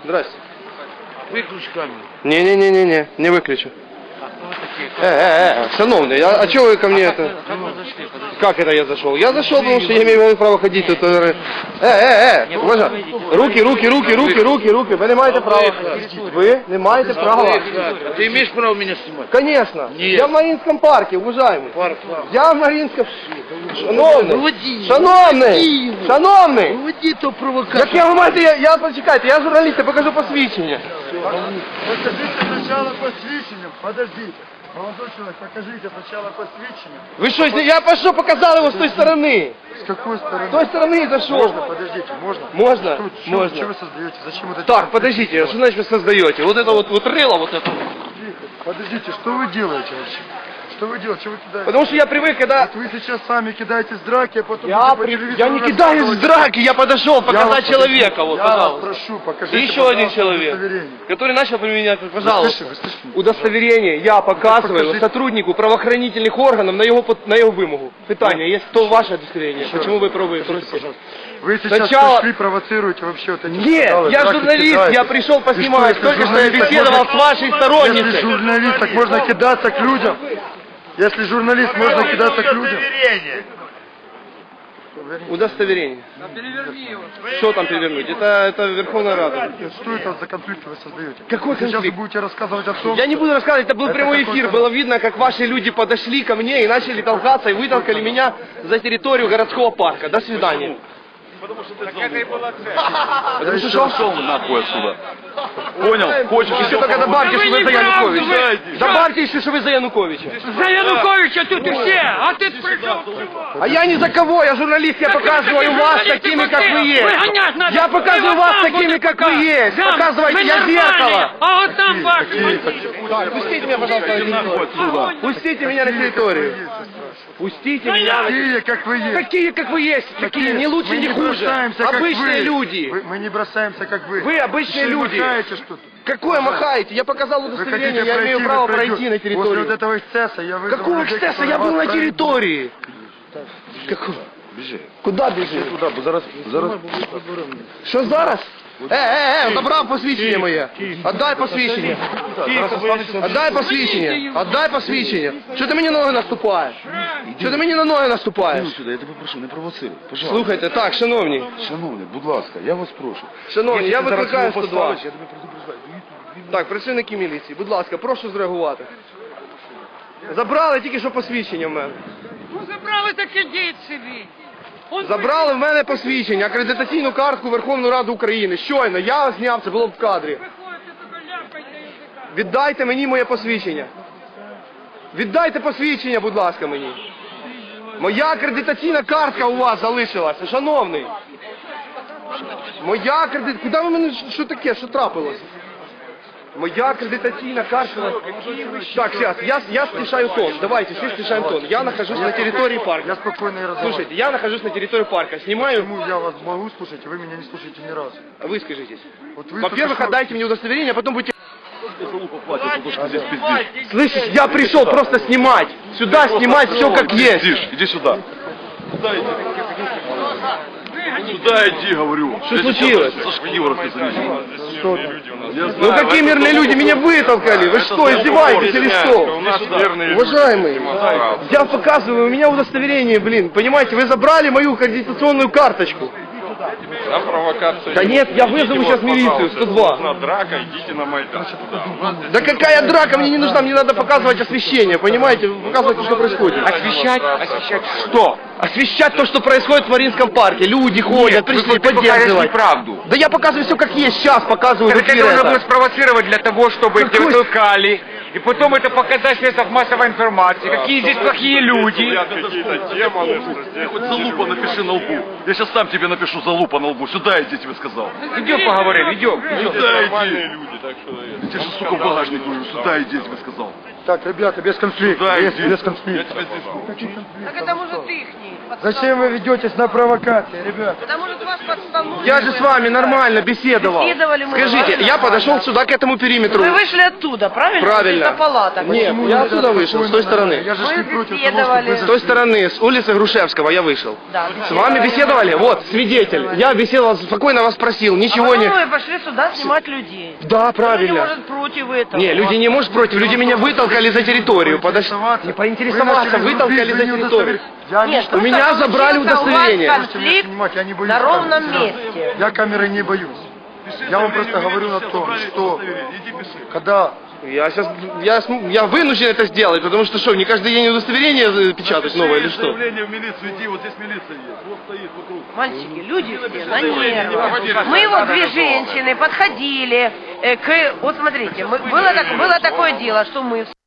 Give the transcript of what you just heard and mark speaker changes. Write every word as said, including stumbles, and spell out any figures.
Speaker 1: Здрасте.
Speaker 2: Виключ камеру.
Speaker 1: Не-не-не-не, не выключу. Э, э, э, шановный, а, а что вы ко мне это? Как это я зашел? Я зашел, потому что я имею право ходить тут. Э, э, э, уважаемый. Руки, руки, руки, руки, руки, руки. Вы не маете права. Вы не маете права.
Speaker 2: Ты имеешь право меня снимать?
Speaker 1: Конечно.
Speaker 2: Нет.
Speaker 1: Я в Маринском парке, уважаемый.
Speaker 2: Парк.
Speaker 1: Я в Маринском... Шановний.
Speaker 2: Выводи.
Speaker 1: Шановний. Шановний.
Speaker 2: Выводи то провокацию.
Speaker 1: Як я, ви маєте, я, я, почекайте, я журналіст, я покажу посвідчення.
Speaker 3: Покажите сначала посвящение. Подождите. Молодой человек, покажите сначала посвящение.
Speaker 1: Ви що, я пошел, показал его с той стороны.
Speaker 3: С какой стороны?
Speaker 1: С той стороны зашел.
Speaker 3: Можно, подождите, можно?
Speaker 1: Можно?
Speaker 3: Что, что,
Speaker 1: Можно.
Speaker 3: что вы создаете? Зачем это
Speaker 1: Так,
Speaker 3: делаете?
Speaker 1: подождите, что значит вы создаете? Вот это вот, вот рыло, вот это.
Speaker 3: Подождите, что вы делаете вообще? Что вы делаете? Что вы кидаете?
Speaker 1: Потому что я привык, когда...
Speaker 3: Вот вы сейчас сами кидаетесь в драки, а потом...
Speaker 1: Я,
Speaker 3: по
Speaker 1: при...
Speaker 3: телевизору
Speaker 1: я не кидаюсь в драки, я подошел
Speaker 3: Я
Speaker 1: показать
Speaker 3: вас
Speaker 1: человека,
Speaker 3: прошу,
Speaker 1: вот,
Speaker 3: я вас
Speaker 1: пожалуйста.
Speaker 3: прошу, покажите,
Speaker 1: И еще один
Speaker 3: пожалуйста,
Speaker 1: человек,
Speaker 3: удостоверение.
Speaker 1: который начал применять,
Speaker 3: Вы
Speaker 1: пожалуйста.
Speaker 3: слышите, вы слышите?
Speaker 1: Удостоверение я показываю
Speaker 3: покажите.
Speaker 1: сотруднику правоохранительных органов на его, на его вымогу. Питание, есть то ваше удостоверение,
Speaker 3: Еще
Speaker 1: почему
Speaker 3: раз.
Speaker 1: вы пробуете?
Speaker 3: Скажите, пожалуйста. Вы сейчас
Speaker 1: Сначала-
Speaker 3: пришли, провоцируете вообще вот эти
Speaker 1: Нет,
Speaker 3: скандалы,
Speaker 1: я
Speaker 3: драки
Speaker 1: журналист,
Speaker 3: кидаетесь.
Speaker 1: я пришел
Speaker 3: И
Speaker 1: поснимать,
Speaker 3: что,
Speaker 1: только
Speaker 3: если
Speaker 1: что я
Speaker 3: журналист, так
Speaker 1: беседовал
Speaker 3: можно-
Speaker 1: с вашей
Speaker 3: Если
Speaker 1: сторонницей.
Speaker 3: журналист, так можно кидаться к людям. Если журналист, можно кидаться к людям.
Speaker 1: Удостоверение. Что там перевернуть? Это, это Верховная Рада.
Speaker 3: Что это за конфликт вы создаете?
Speaker 1: Какой
Speaker 3: Вы сейчас
Speaker 1: конфликт?
Speaker 3: вы будете рассказывать о том,
Speaker 1: Я не буду рассказывать, это был
Speaker 3: Это
Speaker 1: прямой эфир,
Speaker 3: какой-то-
Speaker 1: было видно, как ваши люди подошли ко мне и начали толкаться и вытолкали меня за территорию городского парка. До свидания. Потому что что?
Speaker 4: Шел нахуй отсюда. Понял? Хочешь
Speaker 1: Еще только добавьте, что вы за Януковича. Добавьте еще, что вы за Януковича.
Speaker 5: За Януковича тут и все, а ты пришел.
Speaker 1: А я ни за кого, я журналист, я показываю вас такими, как вы есть. Я показываю вас такими, как вы есть. Показывайте, я зеркало.
Speaker 5: А вот там ваш.
Speaker 1: Так, пустите меня, пожалуйста, на территорию. Пустите меня на территорию. Пустите меня на территорию.
Speaker 3: такие, как вы есть.
Speaker 1: Такие, как вы есть, такие, не лучше,
Speaker 3: Мы
Speaker 1: не хуже.
Speaker 3: бросаемся, как
Speaker 1: Обычные
Speaker 3: вы.
Speaker 1: люди.
Speaker 3: Вы- Мы не бросаемся, как вы.
Speaker 1: Вы обычные
Speaker 3: Еще и
Speaker 1: люди.
Speaker 3: махаете что-то.
Speaker 1: Какое махаете? Я показал
Speaker 3: Вы
Speaker 1: удостоверение,
Speaker 3: хотите
Speaker 1: я имею
Speaker 3: пройти,
Speaker 1: право
Speaker 3: вы
Speaker 1: пройти
Speaker 3: пройдете.
Speaker 1: на
Speaker 3: После вот
Speaker 1: территорию.
Speaker 3: этого эксцесса я вызову
Speaker 1: Какого
Speaker 3: людей,
Speaker 1: эксцесса?
Speaker 3: которые
Speaker 1: Я был
Speaker 3: вас
Speaker 1: на
Speaker 3: проведут.
Speaker 1: территории. Какого?
Speaker 4: Біжи.
Speaker 1: Куда бежишь?
Speaker 4: Туди, бо зараз... зараз...
Speaker 1: Що зараз? Е, е, е, забрав посвідчення моє. Отдай посвідчення. Отдай посвідчення. Отдай посвідчення. Що ти мені на ноги наступаєш? Що ти мені на ноги наступаєш?
Speaker 4: Іди сюди, я тебе прошу, не провоцируй. Пожалуйста.
Speaker 1: Слухайте, так, шановні.
Speaker 4: Шановний, будь ласка, я вас прошу.
Speaker 1: Шановні, я
Speaker 4: Якщо ти зараз
Speaker 1: викликаю
Speaker 4: його
Speaker 1: сто два.
Speaker 4: поставиш, я тебе предупреждаю.
Speaker 1: Так, працівники міліції, будь ласка, прошу зреагувати. Забрали тільки що посвідчення в мене.
Speaker 5: Ну забрали, так ідіть собі. Он
Speaker 1: Забрали в мене посвідчення, акредитаційну картку Верховної Ради України. Щойно, я зняв, це було в кадрі.
Speaker 5: приходите, тільки ляпайте язика.
Speaker 1: Віддайте мені моє посвідчення. Віддайте посвідчення, будь ласка, мені. Моя акредитаційна картка у вас залишилася, шановний. Моя акредитаційна... Куди ви мене... Що таке? Що трапилось? Моя акредитаційна картка... Так, сейчас, я, я снижаю тон. Давайте, все снижаем тон. Я нахожусь на территории парка.
Speaker 3: Я спокойно и разговариваю.
Speaker 1: Слушайте, я нахожусь на территории парка. Снимаю...
Speaker 3: Почему я вас могу слушать, а вы меня не слушаете ни разу?
Speaker 1: Выскажитесь.
Speaker 3: Вот вы
Speaker 1: Во-первых,
Speaker 3: только что-
Speaker 1: отдайте мне удостоверение, а потом будете...
Speaker 4: Платят, потому что здесь пиздишь.
Speaker 1: Слышишь, я пришел просто снимать. Сюда снимать все как есть.
Speaker 4: Пиздишь, иди сюда. Сюда иди. Сюда иди, говорю.
Speaker 1: Что случилось?
Speaker 4: За шкиворот завезли.
Speaker 1: Ну какие мирные люди? Меня вытолкали. Вы что, издеваетесь или что? Уважаемый, я показываю, у меня удостоверение, блин. Понимаете, вы забрали мою аккредитационную карточку.
Speaker 2: На провокацию.
Speaker 1: Да нет, я вызову сейчас милицию, сто два.
Speaker 2: На драка, идите на Майдан.
Speaker 1: Да какая драка, мне не нужна, мне надо показывать освещение, понимаете, показывать, что происходит.
Speaker 2: Освещать? Освещать что?
Speaker 1: Освещать то, что происходит в Маринском парке. Люди ходят, пришли поддерживать.
Speaker 2: правду.
Speaker 1: Да я показываю все как есть, сейчас показываю в
Speaker 6: Это
Speaker 1: эфире
Speaker 6: нужно было
Speaker 1: это.
Speaker 6: спровоцировать для того, чтобы
Speaker 1: Какой
Speaker 6: тебя толкали, и потом это показать в средствах массовой информации. Какие здесь плохие люди.
Speaker 2: Какие-то демоны, что
Speaker 4: Ты
Speaker 2: здесь.
Speaker 4: хоть залупа напиши на лбу. Я сейчас сам тебе напишу залупа на лбу. Сюда иди, тебе сказал.
Speaker 6: Идем поговорим, идем.
Speaker 2: Здесь
Speaker 4: Сюда
Speaker 2: нормальные
Speaker 4: иди.
Speaker 2: люди, так что...
Speaker 4: Я тебе же, сука, в багажник говорю. Сюда иди, я тебе сказал.
Speaker 3: Так, ребята, без конфликта.
Speaker 4: Сюда
Speaker 3: Без,
Speaker 4: иди.
Speaker 3: без
Speaker 4: Я
Speaker 3: конфликта.
Speaker 4: тебя здесь жду.
Speaker 5: Так это может ихний.
Speaker 3: Зачем вы ведетесь на провокации, ребята?
Speaker 5: Это может ваш подставной.
Speaker 1: Я же с вами нормально беседовал.
Speaker 5: Беседовали мы
Speaker 1: Скажите,
Speaker 5: нормально.
Speaker 1: я подошел сюда к этому периметру.
Speaker 5: Вы вышли оттуда, правильно?
Speaker 1: Правильно.
Speaker 5: Это палата.
Speaker 1: Нет,
Speaker 3: Почему
Speaker 1: я
Speaker 3: нельзя
Speaker 1: отсюда вышел,
Speaker 3: спокойно
Speaker 1: с той стороны.
Speaker 3: Я же
Speaker 5: Мы
Speaker 3: не против того,
Speaker 5: беседовали.
Speaker 3: чтобы вы
Speaker 1: С той стороны, с улицы Грушевского я вышел.
Speaker 5: Да,
Speaker 1: С вами беседовали? Вот, свидетель. Я беседовал, спокойно вас спросил, ничего
Speaker 5: а
Speaker 1: не...
Speaker 5: потом вы пошли сюда снимать людей.
Speaker 1: Да,
Speaker 5: Люди,
Speaker 1: правильно.
Speaker 5: может, против этого.
Speaker 1: Не, люди не может против, люди меня вытолкали за территорию. Подожди. Не поинтересоваться, вытолкали за территорию.
Speaker 3: Я не
Speaker 5: Нет,
Speaker 3: что-
Speaker 1: У меня
Speaker 5: просто
Speaker 1: забрали
Speaker 5: случился
Speaker 1: удостоверение.
Speaker 5: У вас
Speaker 3: Можете меня
Speaker 5: конфликт
Speaker 3: снимать, я не боюсь
Speaker 5: на ровном
Speaker 3: камеры.
Speaker 5: месте.
Speaker 3: Я камеры не боюсь. Я вам просто говорю о том, что когда
Speaker 1: Я сейчас, я, см- я вынужден это сделать, потому что что, не каждый день удостоверение э, печатать новое или что?
Speaker 4: Заявление в милицию иди, вот здесь милиция есть. Вот стоит вокруг.
Speaker 5: Мальчики, люди все на нервах. Мы вот две женщины подходили э, к... Вот смотрите, мы- было, так, было такое дело, что мы